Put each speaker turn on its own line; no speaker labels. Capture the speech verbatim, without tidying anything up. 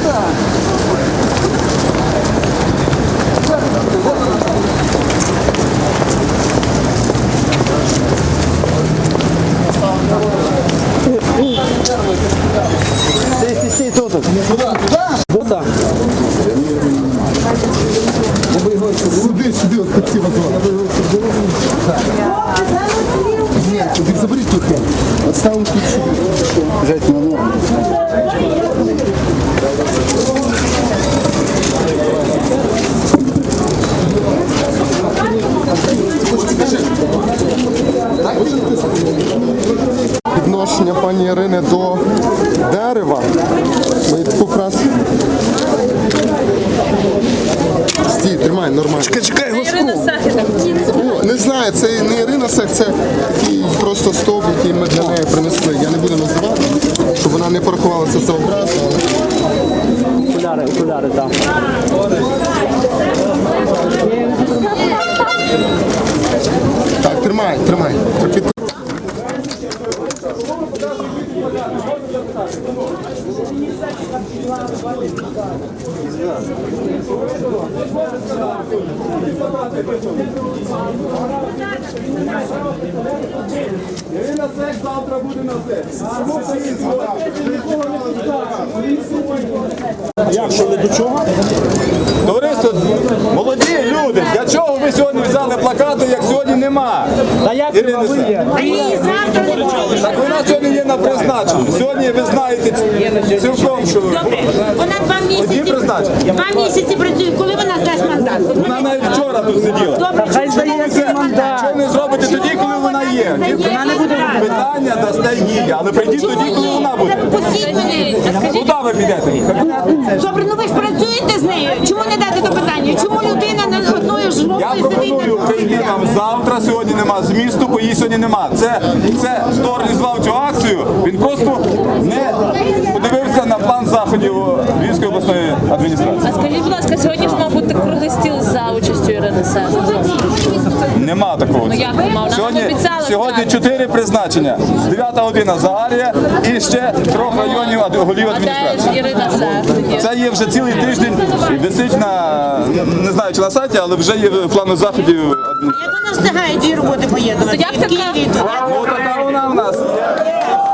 Стій, стій, тут. Куда?
Сюди, сюди, от під ці вазони. Ні, ти заберіть тут. От ставимо тут сюди. Жать на ногу. Відношення пані Ірини до дерева. Ми якраз... Стій, тримай, нормально.
Чекай, чекай,
Ірина Сахіна.
Ну, не знаю, це не Ірина Сах, це такий просто стовп, який ми для неї принесли. Я не буду називати, щоб вона не порахувалася за образу, але...
Окуляри, окуляри, так.
Так, тримай, тримай.
Ірина Сек завтра буде на сесії.
Як, що ви до чого?
Товариство, молоді люди, для чого ви сьогодні взяли плакати, як сьогодні нема?
Та як
Ірина
ви
Сек.
є?
А її завтра не буде.
Так вона сьогодні є на призначенні. Сьогодні ви знаєте цілком, що
Добре, вона два
одні
місяці,
призначення.
два місяці працює. Коли вона здасть мандат?
Вона навіть вчора тут сиділа.
Добре,
Хай
чому
здає
вона
цей
не
мандат.
Що не зробите тоді, коли вона є?
Вона не буде.
Питання дасте їй, але прийдіть тоді, коли вона буде.
Пустіть мене.
Куди ви підете?
Добре, ну ви ж працюєте з нею. Чому не дати до питання? Чому людина на одною ж
Я
жовтою
пропоную прийти вам завтра, сьогодні нема змісту, бо її сьогодні нема. Це, це хто організував цю акцію, він просто не подивився на план заходів Львівської обласної адміністрації.
А скажіть, будь ласка, сьогодні ж мав бути круглий стіл за участю Ірини Сек.
Нема такого.
Ну як нема? Вона
Сьогодні,
нам обіцяла.
сьогодні чотири призначення. Дев'ята година Загарія і ще трьох районів ад- голів
А де ж
адміністрації.
Ірина Сек тоді?
Це є вже цілий тиждень, і висить на, не знаю чи на сайті, але вже є в плану заходів адміністрації.
Як вона встигає дві роботи поєднувати?
То як
І в
така?
Києві, і туди.
Ну така вона в нас.